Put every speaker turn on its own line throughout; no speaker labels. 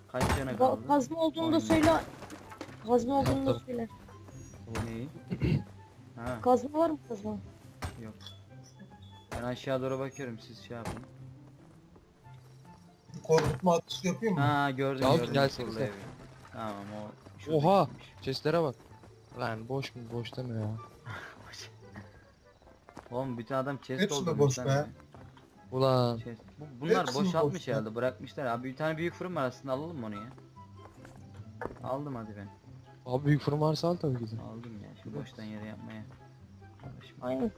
Kaç tane kaldı?
Kazma olduğunu da
Aynen.
söyle. Kazma olduğunu da
Tamam.
söyle.
Neyi? Ha,
Kazma var mı kazma?
yok. Ben aşağı doğru bakıyorum, siz şey yapın.
Korkutma atışı yapayım mı?
Ha, gördüm
Ya
gördüm.
gelsenize.
Surlu evi. Tamam, o şuradakiymiş.
Oha! Chestlere bak. Lan boş mu? Boş deme ya.
Oğlum bütün adam chest
Hepsi de
doldurmuş
boş
lan
be.
eve.
Ulan.
Chest. Bunlar
Hepsi mi
boşaltmış
boş ya?
herhalde, bırakmışlar abi. Bir tane büyük fırın var aslında, alalım mı onu ya? Aldım hadi ben.
Abi büyük fırın varsa al tabii ki de.
Aldım ya şu boştan yere yapmaya. Uğraşma.
Aynen.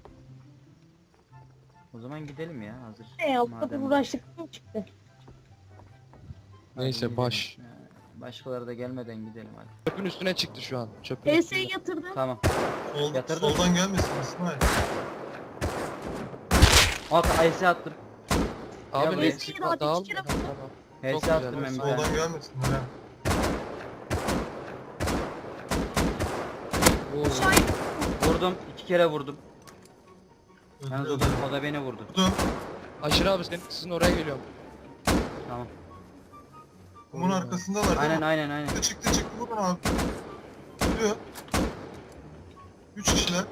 O zaman gidelim ya, hazır.
Ya bu kadar
Madem-
uğraştık mı çıktı?
Hadi
Neyse,
gidelim.
baş.
Ha, başkaları da gelmeden gidelim hadi.
Çöpün üstüne çıktı şu an. Çöpün
PS'yi
üstüne.
yatırdım.
Tamam. Yatırdın.
Soldan gelmesin İsmail.
At Ayse attım.
Abi
Ya
ne
bu-
çıkma dağıl.
kere-
Tamam.
Helse
güzel,
attım ben bir tane.
Soldan gelmesin. Ya.
Oo.
Şahit.
Vurdum. 2 kere vurdum. Yalnız
Öldü.
o da beni vurdu.
Vurdum.
Aşırı abi sizin oraya geliyorum.
Tamam.
Kumun arkasındalar değil
Aynen
mi?
aynen aynen.
Çıktı vurun abi. Gidiyor. 3 kişiler.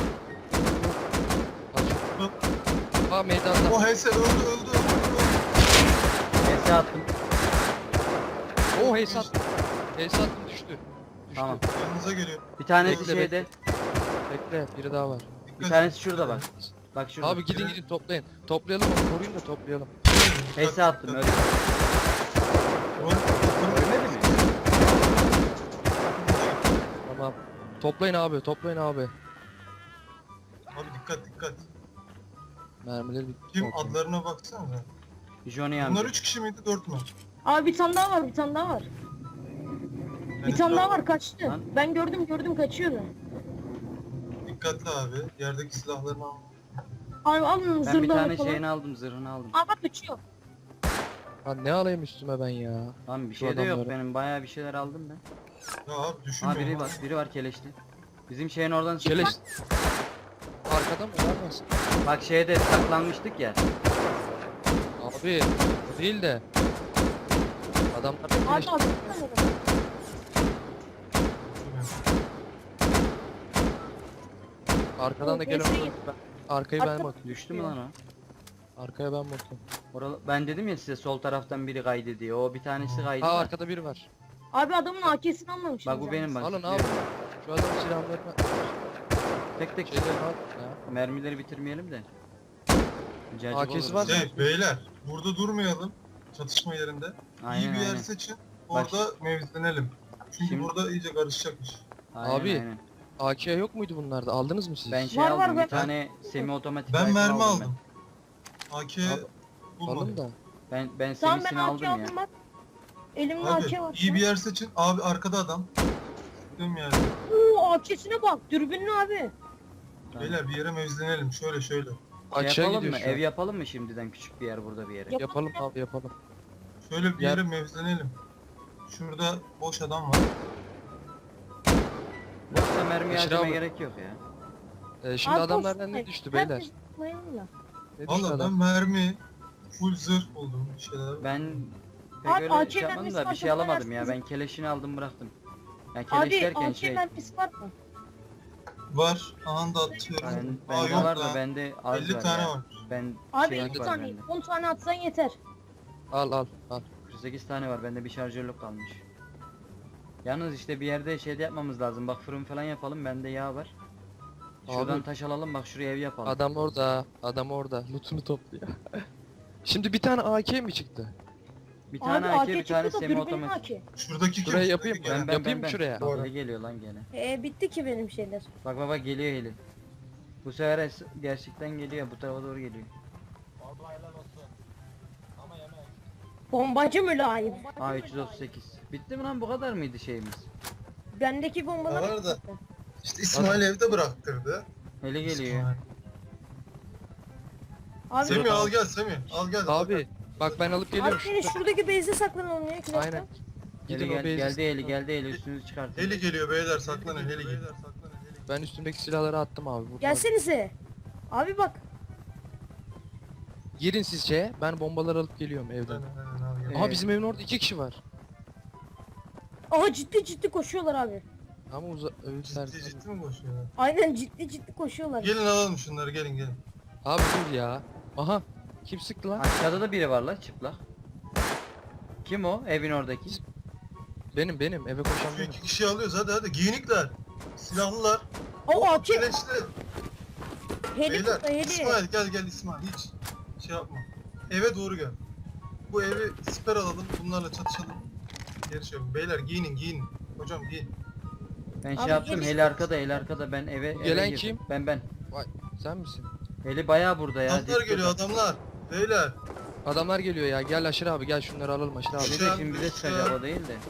Vurdum.
Aa meydanda.
O HS öldü.
Helse attım.
Oo Heysat. Heysat düştü.
Tamam.
Yanınıza geliyor.
Bir tanesi
Bekle,
şeyde.
Bekle biri daha var.
Bir tanesi şurada bak. Bak şurada.
Abi gidin toplayın. Toplayalım onu koruyun da toplayalım.
Helse attım öyle. Ölmedi mi?
Tamam. Toplayın abi toplayın abi.
Abi dikkat.
Mermileri bitti.
Kim
Okey.
adlarına baksanıza.
Johnny
Bunlar
amca.
3 kişi miydi 4 mü?
Abi bir tane daha var, bir tane daha var. Bir tane daha var, kaçtı.
Lan.
Ben gördüm kaçıyordu.
Dikkatli abi. Yerdeki silahlarını al.
Abi alın
Ben bir
zırhları
tane
falan.
şeyini aldım, zırhını aldım.
Aa bak kaçıyor.
Lan ne alayım üstüme ben ya.
Lan bir
Şu
şey de yok
adamları.
benim, bayağı bir şeyler aldım ben.
Ya abi düşünme.
Ha biri var keleşli. Bizim şeyin oradan
Keleş. Arkada mı? Olmaz.
Bak şeyde saklanmıştık ya.
Abi o değil de. Adamlar
Abi
keleş.
abi.
Arkadan da gelen
Neyse,
olur. Arkaya ben
Arka-
bakıyorum.
Düştü mü lan o?
Arkaya ben bakıyorum.
Ben dedim ya size sol taraftan biri kaydı diye. O bir tanesi kaydı.
Ha
da.
arkada biri var.
Abi adamın AK'sini almamışım.
Bak bu benim bak.
Alın abi. Şu adamın silahlarını.
Tek tek
Şeylerini al ya.
mermileri bitirmeyelim de. Cacık
AK'si
olur.
var.
Beyler burada durmayalım. Çatışma yerinde.
Aynen,
İyi bir yer
aynen.
seçin. Orada mevzilenelim. Çünkü
Şimdi-
burada iyice karışacakmış.
Aynen,
Abi,
aynen.
AK yok muydu bunlarda? Aldınız mı siz?
Ben şey
Var,
aldım,
var,
bir
ben-
tane semi otomatik
Ben
rifle
mermi
aldım
aldım. AK
Abi,
bulmadım.
Alın da.
Ben
Tamam ben
semisini
AK
aldım ya.
aldım bak. Elimde
Abi
AK var.
iyi bir yer seçin. Abi arkada adam. Diyorum yani.
Oo AK'sine bak. Dürbünlü abi.
Tamam.
Beyler bir yere mevzilenelim. Şöyle.
Şey
Açığa
yapalım
gidiyor
mı?
şu an.
Ev yapalım mı şimdiden, küçük bir yer burada bir yere?
Yap-
Yapalım abi yapalım.
Şöyle bir
Yer-
yere mevzilenelim. Şurada boş adam var.
Boşta mermi
Beşir
harcamaya
abi.
gerek yok ya.
Şimdi
Abi
adamlardan
olsun.
ne düştü beyler?
Herkes zıplayalım da.
Ne düştü
Valla ben
adam?
mermi, full zırh buldum bir şeyler.
Ben pek
Abi,
öyle
AK
şey yapmadım
mermisi
da bir
var,
şey
tamam,
alamadım ya.
versiniz.
Ben keleşini aldım bıraktım. Ya keleş
Abi
derken
AK
şey.
mermisi var mı?
Var. Anda atıyorum.
Bende
yok
var da
lan.
bende az
50
var
tane
ya.
var.
Ben
Abi
şey
50
var
tane,
bende.
10 tane atsan yeter.
Al.
48 tane var, bende bir şarjörlük kalmış. Yalnız işte bir yerde şey de yapmamız lazım. Bak fırın falan yapalım, bende yağ var. Şuradan
Abi.
taş alalım, bak şuraya ev yapalım.
Adam orada. Adam orada. Lootunu topluyor. Şimdi bir tane AK mi çıktı?
Bir tane
Abi
AK,
AK
bir tane
çıktı da
semi
dürbünlü
otomatik.
AK.
Şuradaki
Şuraya
kim?
yapayım
Şuradaki
mı?
gelen.
Yapayım mı şuraya?
Doğru.
Heli geliyor lan gene.
Bitti ki benim şeyler.
Bak bak geliyor heli. Bu sefer gerçekten geliyor, bu tarafa doğru geliyor.
Bombacı mülayim.
A338. Bitti mi lan, bu kadar mıydı şeyimiz?
Bendeki bombalar...
Var da. İşte İsmail evde bıraktırdı.
Heli geliyor.
İsmail.
Abi,
Semih al gel Semih. Al gel.
Abi bak ben alıp
abi
geliyorum.
beni şuradaki base'e saklanalım ya. iki dakika.
Aynen.
Heli
Gidin o base'e.
geldi heli üstünüzü çıkartın.
Heli geliyor beyler saklanın heli geliyor.
Ben üstümdeki silahları attım abi. Burada.
Gelsenize. Abi bak.
Girin siz şeye. Ben bombaları alıp geliyorum evden.
Aynen, al gel.
Ee,
Aha bizim evin orada 2 kişi var.
Aha ciddi koşuyorlar abi.
Ama öldüler.
Ciddi mi koşuyor?
Aynen ciddi koşuyorlar.
Gelin alalım şunları, gelin.
Abi dur ya. Aha. Kim sıktı lan?
Aşağıda da biri var la çıplak. Kim o? Evin oradaki.
Benim eve koşan
Şu
benim.
2 kişiyi alıyoruz, hadi giyinikler. Silahlılar.
O AK.
Keleşli.
Heli
Beyler,
tuttu heli.
İsmail gel İsmail, hiç şey yapma. Eve doğru gel. Bu evi siper alalım, bunlarla çatışalım. Geri şey yapın. Beyler giyinin. Hocam giyin.
Ben
Abi
şey yaptım,
gel
heli arkada, heli arkada. Ben eve
Gelen
girdim.
kim?
Ben.
Vay sen misin?
Heli bayağı burada ya.
Adamlar
dip
geliyor,
burada.
adamlar. Beyler.
Adamlar geliyor ya. Gel Aşır abi gel şunları alalım Aşır abi.
Bir de şimdi bize çıkacak o değil de.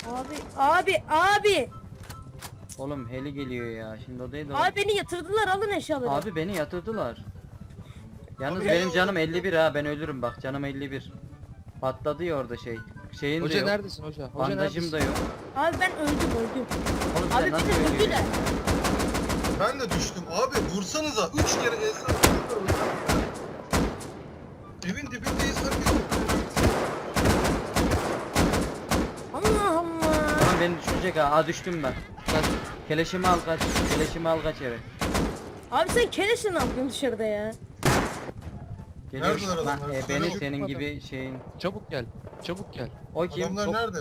Abi.
Oğlum heli geliyor ya. Şimdi o değil de.
Abi beni yatırdılar alın eşyaları.
Abi beni yatırdılar. Yalnız
Abi
benim
ya.
canım 51 ha, ben ölürüm bak, canım 51. Patladı ya orada şey. Şeyin de
Hoca
yok.
neredesin hoca? Hoca
Bandajım
neredesin?
da yok.
Abi ben öldüm.
Oğlum sen
Abi
nasıl
bir de
ölüyorsun?
öldüler.
Ben de düştüm. Abi vursanıza. 3 kere Esra. Evin dibindeyiz herkes.
Allah.
Tamam beni düşürecek ha. Aa düştüm ben.
Kaç.
Keleşimi al kaç. Keleşimi al kaç eve.
Abi sen keleşle ne yapıyorsun dışarıda ya?
Geliyor.
Neredeler
Lan,
adamlar?
beni
Çabuk
senin
adam.
gibi şeyin.
Çabuk gel. Çabuk gel.
O kim?
Adamlar nerede?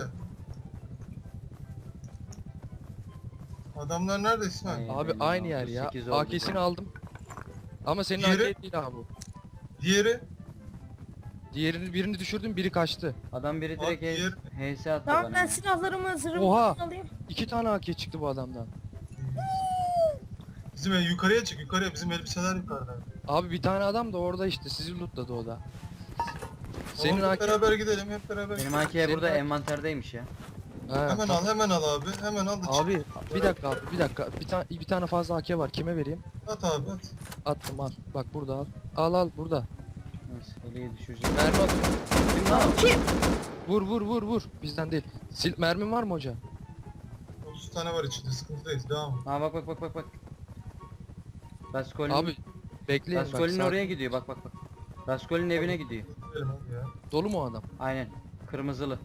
Adamlar nerede İsmail?
Ay.
Abi
benim
aynı yer ya.
38 oldu.
AK'sini aldım. Ama senin
Diğeri?
AK değil abi bu.
Diğeri?
Birini düşürdüm biri kaçtı.
Adam biri
Bak,
direkt HS attı
Tamam
bana.
ben silahlarımı zırhımı
Oha.
alayım.
2 tane AK çıktı bu adamdan.
Bizim ev yukarıya çık, yukarıya. Bizim elbiseler yukarıda.
Abi bir tane adam da orada işte sizi lootladı o da. Senin
Oğlum,
AK...
hep beraber gidelim, hep beraber.
Benim
gidelim.
AK
Senin
burada
AK
envanterdeymiş ya.
Ha,
Hemen
tamam.
al, hemen al abi. Hemen al da çık.
Abi bir dakika abi bir dakika. Bir tane fazla AK var. Kime vereyim?
At abi at.
Attım al. Bak burada al. Al burada.
Neyse heliyi düşürecek.
Mermi at.
Kim lan o?
Kim?
Vur. Bizden değil. Mermin var mı hoca?
30 tane var içinde, sıkıntıyız. Devam.
Ha bak. Raskolin.
Abi bekleyin bak.
Raskolin
sakin.
oraya gidiyor bak. Raskolin evine gidiyor.
Gidelim hadi ya.
Dolu mu o adam?
Aynen. Kırmızılı.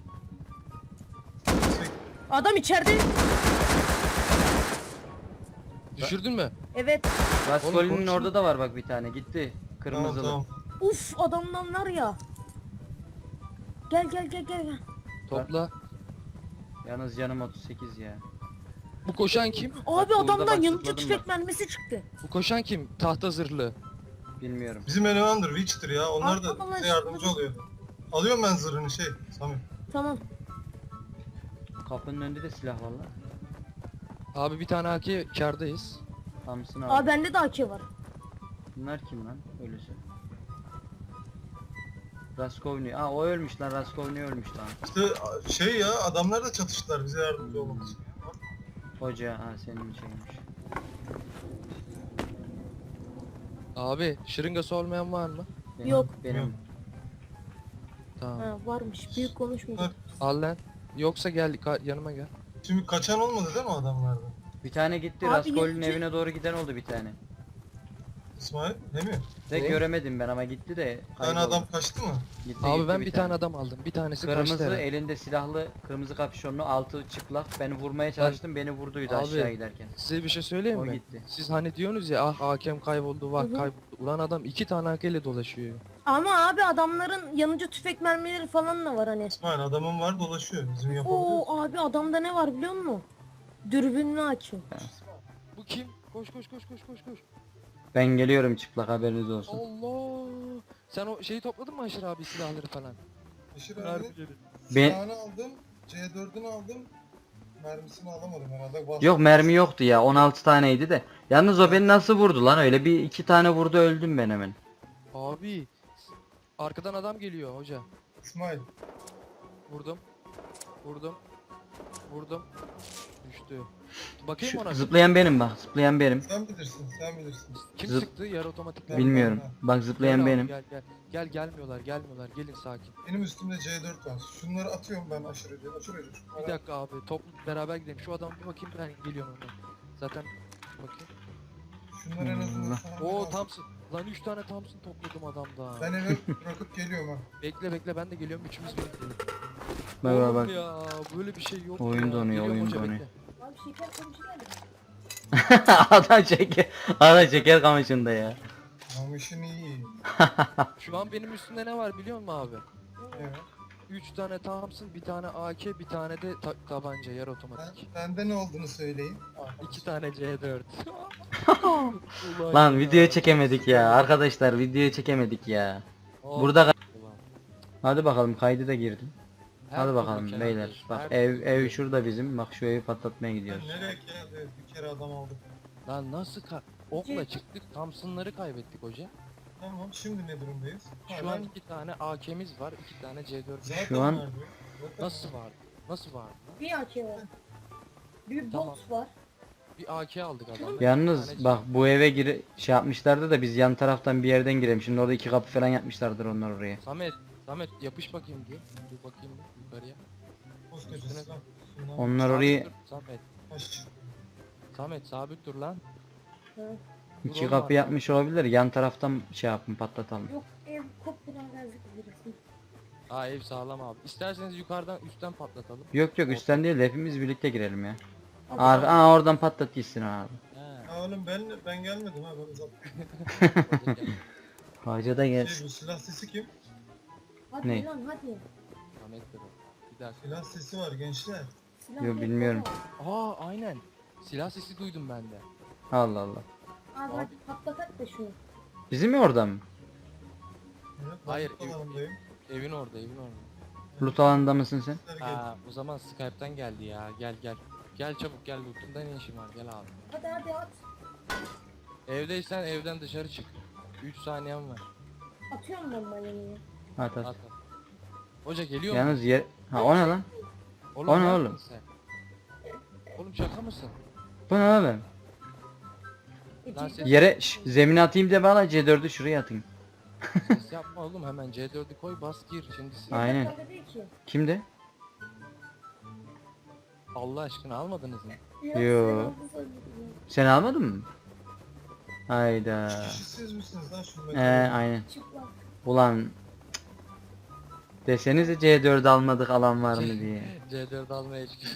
Adam içeride.
Düşürdün mü?
Evet.
Raskolinin
konuşma.
orada da var bak bir tane. Gitti. Kırmızılı.
Tamam.
Uf adamdan var ya. Gel.
Topla.
Yalnız canım 38 ya.
Bu koşan kim?
Abi
burada
adamdan
bak,
yanıcı
zıpladım
tüfek
bak.
mermisi çıktı.
Bu koşan kim? Tahta zırhlı.
Bilmiyorum.
Bizim elemandır, Witch'tir ya. Onlar da
Arkadan
bize yardımcı oluyor. Alıyorum ben zırhını Sami.
Tamam.
Kapının önünde de silah var lan.
Abi bir tane AK kardayız.
Thompson
Abi
abi.
bende de AK var.
Bunlar kim lan? Ölüsü. Raskolni. Aa o ölmüş lan. Raskolni ölmüş lan.
İşte ya, adamlar da çatıştılar bize yardımcı olmak için. Bak,
Hoca ha senin şeymiş.
Abi şırıngası olmayan var mı?
Benim,
Yok.
Benim.
Yok.
Tamam.
Ha varmış. Büyük konuşmayacak.
Al lan. Yoksa gel yanıma gel.
Şimdi kaçan olmadı değil mi adamlarda?
Bir tane gitti.
Abi
Raskolni'nin
yanıcı-
evine doğru giden oldu bir tane.
İsmail, değil mi?
De
Doğru.
göremedim ben ama gitti de.
Bir tane
kayboldu.
adam kaçtı mı?
Gitti,
Abi
gitti
ben bir tane adam aldım. Bir tanesi kaçtı
Kırmızı
herhalde.
elinde silahlı, kırmızı kapşonlu, altı çıplak. Beni vurmaya çalıştım, beni vurduydu
Abi,
aşağı giderken.
Size bir şey söyleyeyim
O
mi?
gitti.
Siz hani diyorsunuz ya ah hakem kayboldu
Hı hı.
kayboldu. Ulan adam 2 tane AK ile dolaşıyor.
Ama abi adamların yanıcı tüfek mermileri falan da var hani.
İsmail adamın var, dolaşıyor. Bizim yapabiliyoruz.
Oo abi adamda ne var biliyor musun? Dürbünlü AK.
Bu kim? Koş.
Ben geliyorum çıplak, haberiniz olsun.
Allah. Sen o şeyi topladın mı Aşır abi silahları falan?
Beşir abi,
Mermileri.
Ben-
silahını aldım, C4'ünü aldım. Mermisini alamadım herhalde.
Yok mermi yoktu ya, 16 taneydi de. Yalnız o beni nasıl vurdu lan, öyle bir iki tane vurdu, öldüm ben hemen.
Abi arkadan adam geliyor hoca.
İsmail,
Vurdum. Düştü. Bakayım
Şu,
ona.
zıplayan benim bak, zıplayan benim.
sen bilirsin.
Kim
zıp-
sıktı? Yarı otomatik.
Ben-
Bilmiyorum. Bak
Gel
zıplayan
abi,
benim.
Gel gelmiyorlar. Gelin sakin.
Benim üstümde C4 var. Şunları atıyorum ben aşırıca.
Bir dakika abi toplu beraber gidelim. Şu adamı bir bakayım ben geliyorum ondan. Zaten bakayım.
Şunları en azından
Allah.
sana
Oo
lazım.
Thompson. Lan 3 tane Thompson topladım adamda.
Ben eve bırakıp geliyorum ha.
Bekle ben de geliyorum. Üçümüz birlikte.
Bak
Oğlum
bak.
ya böyle bir şey yok.
Oyun
ya.
donuyor,
Geliyorum
oyun
hoca,
donuyor.
bekle.
Abi şeker komşu geldi.
Adam şeker kamışında ya.
Namışın iyi.
Şu an benim üstümde ne var biliyor musun abi?
Evet.
3 tane Thompson, bir tane AK, bir tane de tabanca yarı otomatik.
Bende ne olduğunu söyleyin.
2 tane C4. Ulan
Lan
ya.
video çekemedik ya. Arkadaşlar video çekemedik ya.
Oh,
Burada
ulan.
hadi bakalım kaydı da girdim.
Her
Hadi
türlü
bakalım
Kenan
beyler.
Bey,
Bak
her
ev
türlü.
ev şurada bizim. Bak şu evi patlatmaya
Ben
gidiyoruz.
nereye geldi? Bir kere adam aldık.
Lan nasıl okla çıktık, Thompson'ları kaybettik hoca.
Tamam, şimdi ne durumdayız?
Şu
Hala-
an 2 tane AK'miz var, 2 tane C4.
Zaten
şu an-
vardı. Zaten
Nasıl var? Nasıl var?
Bir AK var. Bir
Tamam.
bot var.
Bir AK aldık adamdan.
Yalnız bak bu eve şey yapmışlardı da biz yan taraftan bir yerden girelim. Şimdi orada 2 kapı falan yapmışlardır onlar oraya.
Samet yapış bakayım diye. Dur bakayım bir yukarıya.
koskoca
Üstüne-
silah. Şundan
Onlar
Sabit
orayı
dur, Samet.
taş.
Samet sabit dur lan.
Ha.
2
oğlum
kapı
abi.
yapmış olabilir. Yan taraftan şey yapın patlatalım.
Yok ev kopyadan geldik birisi.
Aa ev sağlam abi. İsterseniz yukarıdan üstten patlatalım.
Yok yok üstten değil de hepimiz birlikte girelim ya.
Abi,
Oradan patlat gitsin abi.
He.
Ya oğlum ben gelmedim ha, ben uzattım.
Hoca gel.
Hacı da gel.
Bu silah sesi kim?
hadi
Ne?
lan hadi.
Samet dur. Bir dakika.
Silah sesi var gençler.
Silah
Yo,
yok,
bilmiyorum.
baba.
Aynen. Silah sesi duydum ben de.
Allah Allah.
Abi hadi patlatak da şunu.
Bizim mi orada mı?
Evet,
Hayır,
ben alandayım.
Evin orada, evin orada.
Loot alanında mısın sen?
Sesler geldi.
Aa, o zaman Skype'tan geldi ya. Gel gel. Gel çabuk gel lootumda ne işin var gel abi.
Hadi hadi at.
Evdeysen evden dışarı çık. 3 saniyem var.
Atıyorum ben balonu.
At
At
at.
at. Hoca geliyor mu?
Yalnız yer... Ha o ne lan? o ne
ne
oğlum?
yaptın sen? Oğlum şaka mısın?
Bu ne oğlum?
Lan ses,
Yere zemine atayım de bana C4'ü şuraya atayım.
ses yapma oğlum hemen C4'ü koy bas gir şimdi.
Aynen.
Bende değil ki.
Kimde?
Allah aşkına almadınız mı?
Yo.
Yo.
sen aldın sanırım.
Sen almadın mı? Hayda.
Kişisiz misiniz lan şu
Aynen.
Çıplak.
Ulan cık. Desenize C4 almadık alan var mı diye.
C4 almaya çıkıyor.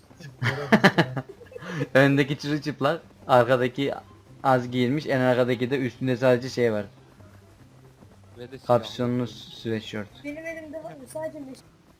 Öndeki çırılçıplak, arkadaki az giyilmiş, en arkadaki de üstünde sadece şey var.
Ve de silah.
Kapşonlu sweatshirt.
Benim elimde var mı? Sadece meş...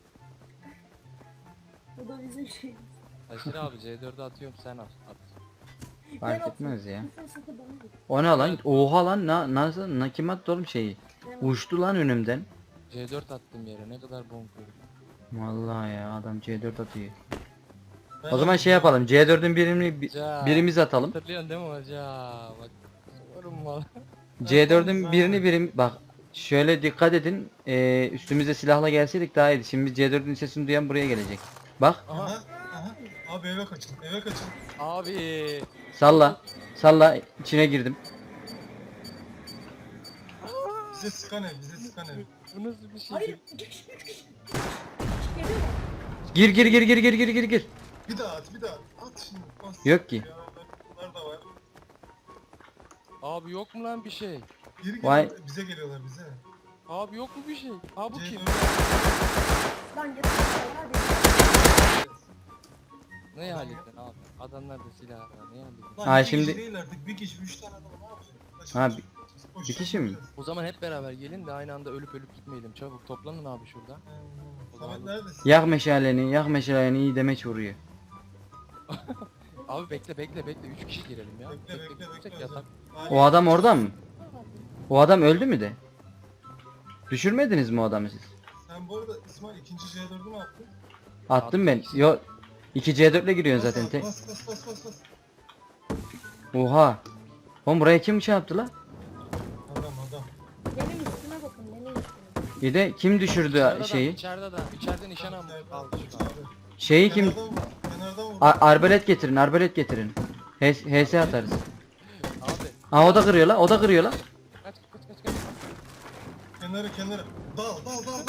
Bu da bizim şey.
Taşır abi C4'ü atıyorum sen at.
Fark etmez ya.
Sıfır sıfır bana ver.
O ne lan? Oha lan nasıl kim attı oğlum şeyi?
Ben-
Uçtu lan önümden.
C4 attım yere ne kadar bonkör.
Vallahi ya adam C4 atıyor.
Ben
O zaman şey yapalım. C4'ün birini
Ya.
birimiz atalım.
Hatırlıyorsun değil mi hoca? Bak sorun var.
C4'ün birini bak şöyle dikkat edin. Üstümüze silahla gelseydik daha iyiydi. Şimdi C4'ün sesini duyan buraya gelecek. Bak
Aha.
Aha, aha. Abi eve kaçın, eve kaçın.
Abi.
salla. Salla içine girdim.
Bize sıkan ev, bize sıkan ev.
Bu nasıl bir şey?
Hayır 2 kişi 3 kişi. Geliyor mu?
Gir.
Bir daha at, bir daha at. At şimdi, bas.
Yok ki.
Ya, bunlar da var.
Abi yok mu lan bir şey?
Geri
Vay.
geliyorlar, bize geliyorlar bize.
Abi yok mu bir şey? Abi bu kim?
Lan yeter hadi.
Ne hallettin abi? Adamlar da silah var. Ne hallettin?
Lan
Ha,
iki
şimdi-
kişi değil artık, bir kişi, 3 tane adam ne yapacak?
Ha,
Boş
bir kişi mi?
O zaman hep beraber gelin de aynı anda ölüp gitmeyelim. Çabuk toplanın abi şurada.
Samet neredesin?
Yak meşaleni iyi demeç vuruyor.
Abi bekle 3 kişi girelim ya.
Bekle,
Tek
bekle.
yatak.
O adam orada mı? O adam öldü mü de? Düşürmediniz mi o adamı siz?
Sen bu arada İsmail ikinci C4'ü mü attın?
Attım ben. Yo 2 C4 ile giriyorsun zaten. Tek.
Bas.
Oha. Oğlum buraya kim şey yaptı la?
Adam.
Benim üstüme bakın benim üstüme.
Bir de kim düşürdü şeyi?
İçeride nişan almış. Aldı şu an.
Şeyi kim?
Kenardan vur.
Arbalet getirin. HS atarız.
Abi.
Aa o da kırıyor la.
Kaç.
Kenara. Dal.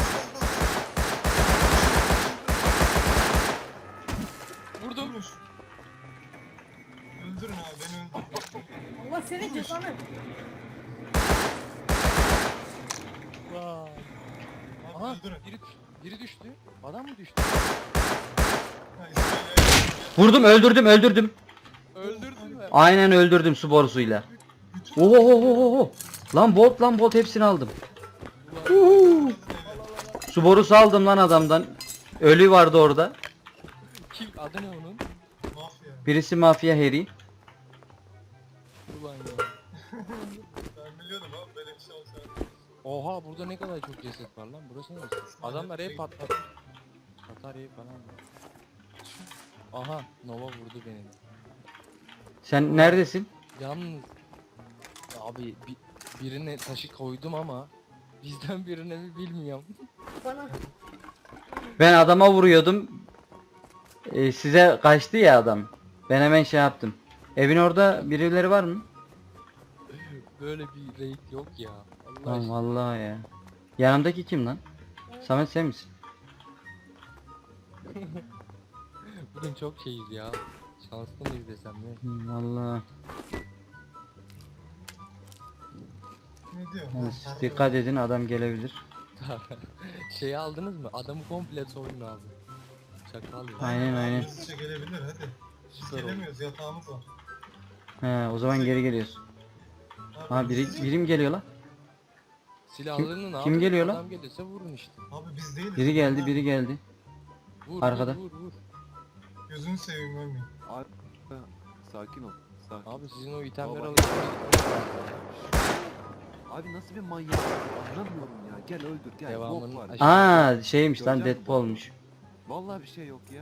Vurdum.
Vurmuş. Öldürün abi, beni öldürün.
Allah senin cezanı.
Vay.
Abi
Aha
öldürün.
biri düştü. Biri düştü. Adam mı düştü?
Ha, İsmail
Vurdum, öldürdüm.
Öldürdün mü?
Aynen öldürdüm su borusuyla.
bütün
Oho. Lan bolt hepsini aldım. Uhu. Su borusu aldım lan adamdan. Ölü vardı orada.
Kim? Adı ne onun?
mafya.
Birisi mafya Harry.
Ulan ya.
Ben biliyordum abi böyle bir şey olsa.
Oha burada ne kadar çok ceset var lan. Burası neresi? Adamlar hep patladı. Bataryayı falan var. Aha Nova vurdu beni.
Sen neredesin?
Yalnız abi birine taşı koydum ama bizden birine mi bilmiyorum.
Bana.
Ben adama vuruyordum. Size kaçtı ya adam. Ben hemen şey yaptım. Evin orada birileri var mı?
Böyle bir raid yok ya. Allah
Tamam
aşkına.
vallahi ya. Yanımdaki kim lan? Samet sen misin?
Bugün çok şeyiz ya. Şanslı mıyız desem ne?
Vallahi.
Ne diyor?
Yalnız
Ha,
dikkat edin adam gelebilir.
Şeyi aldınız mı? Adamı komple soyun abi. Çakal ya.
Aynen.
Hızlıca gelebilir hadi. Biz
Süper oldu.
gelemiyoruz yatağımız var.
He o zaman geri geliyorsun. Ha biri mi geliyor lan?
Silahlarının abi.
kim geliyor lan?
Adam gelirse vurun işte.
Abi biz değiliz.
Biri geldi.
Vur,
Arkada.
Vur.
Gözünü seveyim ölmeyin.
Abi sakin ol. Sakin.
Abi sizin o itemleri
Baba.
alın.
Abi nasıl bir manyak? Anlamıyorum ya. Gel öldür gel.
Devamını
Bok var.
aşağı-
Aa şeymiş lan
Görecek misin?
Deadpool'muş.
Vallahi bir şey yok ya.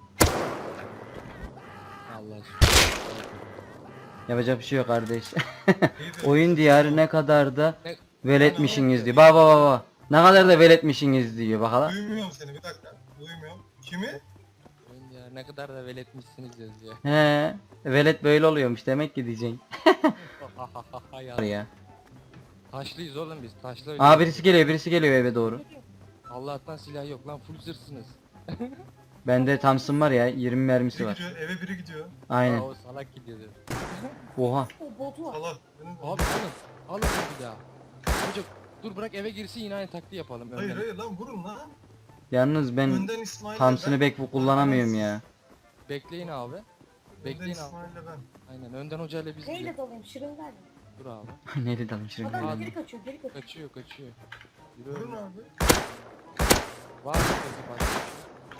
Allah aşkına.
Yapacak bir şey yok kardeş.
İyi de-
Oyun diyarı ne kadar da
Ne-
veletmişsiniz diyor. Bak. Ne kadar da veletmişsiniz diyor bakalım.
Duymuyorum seni bir dakika. Duymuyorum. Kimi?
Ya ne kadar da veletmişsiniz yazıyor.
He, velet böyle oluyormuş demek ki diyeceksin.
ya.
Ya.
Taşlıyız oğlum biz. Taşlı
Aa birisi geliyor eve doğru.
Allah'tan silah yok lan full zırhsınız.
Bende Thompson var ya 20 mermisi
Biri
var.
gidiyor eve biri gidiyor.
Aynen.
Aa, o salak gidiyordu.
Oha.
O botu var.
Allah. benim-
Abi alın. Alın bir daha. Çocuk dur bırak eve girsin yine aynı taktiği yapalım.
Hayır
önden.
hayır lan vurun lan.
Yalnız ben
Önden İsmail'le
Thompson'ı
ben.
pek kullanamıyorum ya.
Bekleyin abi.
Önden
Bekleyin abi.
İsmail'le ben.
Aynen önden hocayla biz gidelim.
Neyle dalayım? Şırıngayla.
Dur abi.
Neydi dalım şimdi?
Adam
Abi.
geri kaçıyor.
Kaçıyor. Yürü
Vurun
öyle.
abi.
Var mı peki başka bir şey?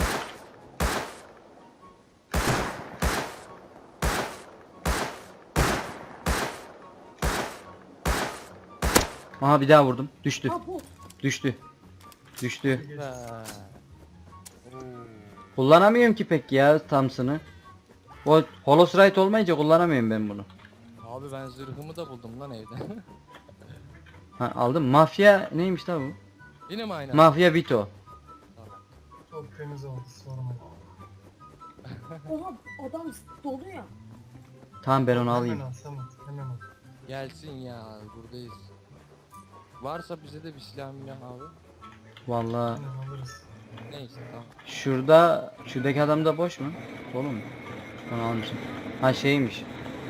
Aha bir daha vurdum. Düştü.
Ha bot.
Düştü.
Ha. Oo.
Kullanamıyorum ki pek ya Thompson'ı. O Holosrite olmayınca kullanamıyorum ben bunu.
Abi ben zırhımı da buldum lan evde.
Ha aldım. Mafya neymiş lan bu?
Yine mi aynı?
Mafya Vito.
Tamam.
Çok temiz oldu sorma.
Oha adam dolu ya.
Tamam ben onu alayım.
Hemen al Samet hemen al.
Gelsin ya buradayız. Varsa bize de bir silah milah abi.
Vallahi
Hemen alırız.
Neyse tamam.
şuradaki adam da boş mu? Dolu mu? Onu almışım. Ha şeymiş.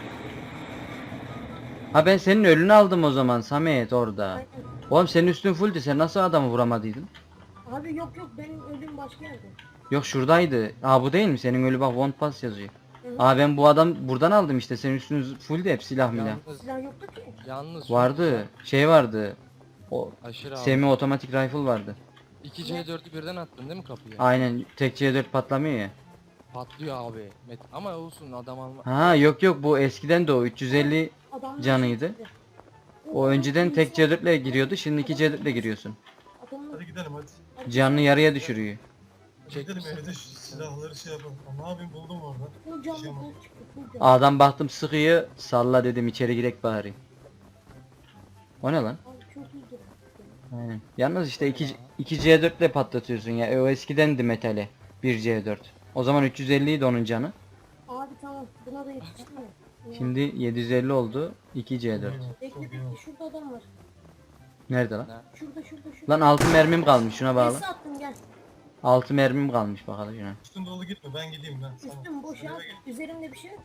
Ha ben senin ölünü aldım o zaman Samet orada.
Aynen.
Oğlum senin üstün fulldü. Sen nasıl adamı vuramadıydın?
Abi yok benim ölüm başka yerde.
Yok şuradaydı. Aa bu değil mi? Senin ölü bak one pass yazıyor.
Hı hı.
Aa ben bu adam buradan aldım işte. Senin üstünüz fulldü hep silah milah.
Yalnız,
Silah yoktu ki.
yalnız
Vardı. Şey vardı. O
aşırı abi.
semi otomatik rifle vardı.
2C4'ü birden attın değil mi kapıya?
Aynen tek C4 patlamıyor ya.
Patlıyor abi. Ama olsun adam alma.
Ha yok bu eskiden de o 350
Adamlar
canıydı.
çıktı.
O önceden tek C4 ile giriyordu. Şimdi 2 C4 ile giriyorsun.
Adamlar
Hadi gidelim hadi.
Canını yarıya düşürüyor.
Gidelim
Çekmişsin.
evde şu silahları şey yapalım. Ne yapayım buldum orada.
full canlı
Şey
full çıktı. Full canlı.
Adam baktım sıkıyor. Salla dedim içeri girek bari. O ne lan?
Abi çok iyi durdu.
Aynen. Yalnız işte 2 C4 ile patlatıyorsun ya. O eskidendi metali. 1 C4. O zaman 350 idi onun canı.
Abi tamam buna da yetişti mi? Ya.
Şimdi 750 oldu. 2 C4.
Çok
Bekle
iyi
bekle
oldu.
şurada adam var.
Nerede lan?
Şurada.
Lan 6 mermim kalmış şuna bağlı.
Nesi attım gel.
6 mermim kalmış bakalım şuna.
Üstün dolu gitme ben gideyim ben. Sana.
Üstüm boş
Sen
ya.
eve git.
Üzerimde bir şey yok.